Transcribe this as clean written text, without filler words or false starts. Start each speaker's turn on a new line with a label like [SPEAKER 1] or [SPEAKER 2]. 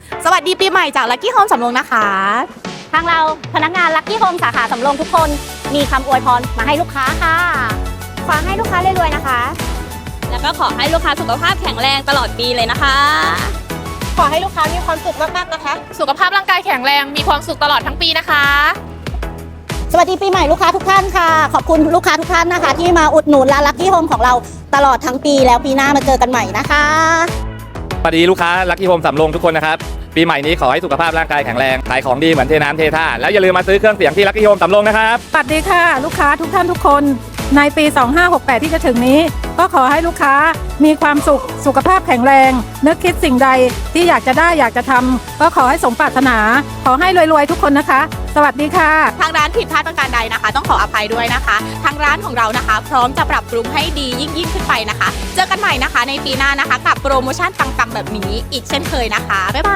[SPEAKER 1] สวัสดีปีใหม่จากลัคกี้โฮมสำโรงนะคะ
[SPEAKER 2] ทางเราพนักงานลัคกี้โฮมสาขาสำโรงทุกคนมีคำอวยพรมาให้ลูกค้าค่ะขอให้ลูกค้ารวยๆนะคะ
[SPEAKER 3] แล้วก็ขอให้ลูกค้าสุขภาพแข็งแรงตลอดปีเลยนะคะ
[SPEAKER 1] ขอให้ลูกค้ามีความสุขมากๆนะคะ
[SPEAKER 4] สุขภาพร่างกายแข็งแรงมีความสุขตลอดทั้งปีนะคะ
[SPEAKER 2] สวัสดีปีใหม่ลูกค้าทุกท่านค่ะขอบคุณลูกค้าทุกท่านนะคะที่มาอุดหนุนร้านลัคกี้โฮมของเราตลอดทั้งปีแล้วปีหน้ามาเจอกันใหม่นะคะ
[SPEAKER 5] สวัสดีลูกค้าลัคกี้โฮมสำโรงทุกคนนะครับปีใหม่นี้ขอให้สุขภาพร่างกายแข็งแรงขายของดีเหมือนเทน้ำเทท่าแล้วอย่าลืมมาซื้อเครื่องเสียงที่ลัคกี้โฮมสำโรงนะครับ
[SPEAKER 6] สวัสดีค่ะลูกค้าทุกท่านทุกคนในปี 2568 ที่จะถึงนี้ก็ขอให้ลูกค้ามีความสุขสุขภาพแข็งแรงนึกคิดสิ่งใดที่อยากจะได้อยากจะทำก็ขอให้สมปรารถนาขอให้รวยๆทุกคนนะคะสวัสดีค่ะ
[SPEAKER 1] ทางร้านผิดพลาดประการใดนะคะต้องขออภัยด้วยนะคะทางร้านของเรานะคะพร้อมจะปรับปรุงให้ดียิ่งขึ้นไปนะคะเจอกันใหม่นะคะในปีหน้านะคะกับโปรโมชั่นปังๆแบบนี้อีกเช่นเคยนะคะบ๊ายบาย